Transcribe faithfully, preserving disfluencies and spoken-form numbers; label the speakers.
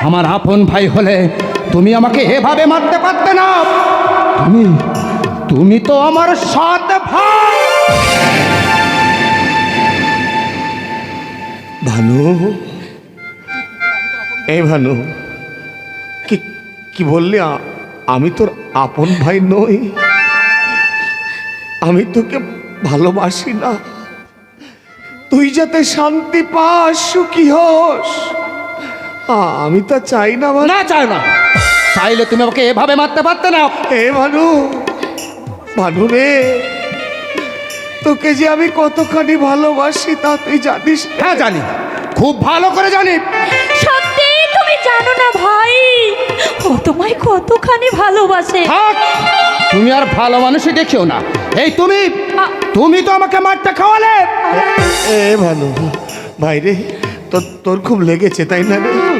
Speaker 1: আমার আপন ভাই হলে তুমি আমাকে এভাবে মারতে পারতে না। তুমি তুমি তো আমার সৎ ভাই।
Speaker 2: ভানু, এই ভানু, কি কি বললি? আ- আমি তোর আপন ভাই নই, আমি তোকে ভালোবাসি না। তুই যাতে শান্তি পাস, সুখী হস, আ- আমি তা চাই না। ভানু।
Speaker 1: না চাই না, চাইলে তুমি আমাকে এভাবে মারতে পারতে না।
Speaker 2: এ ভানু, ভানু রে, তোকে যে আমি কতখানি ভালোবাসি তা তুই জানিস?
Speaker 1: হ্যাঁ জানি, খুব ভালো করে জানি।
Speaker 3: সত্যি তুমি জানো না ভাই, ও তোমায় কতখানি ভালোবাসে।
Speaker 1: থাক, তুমি আর ভালো মানুষই দেখিও না। এই তুমি তুমি তো আমাকে মারতে খাওয়ালে।
Speaker 2: এ ভানু ভাই রে, তোর তোর খুব লেগেছে তাই না রে?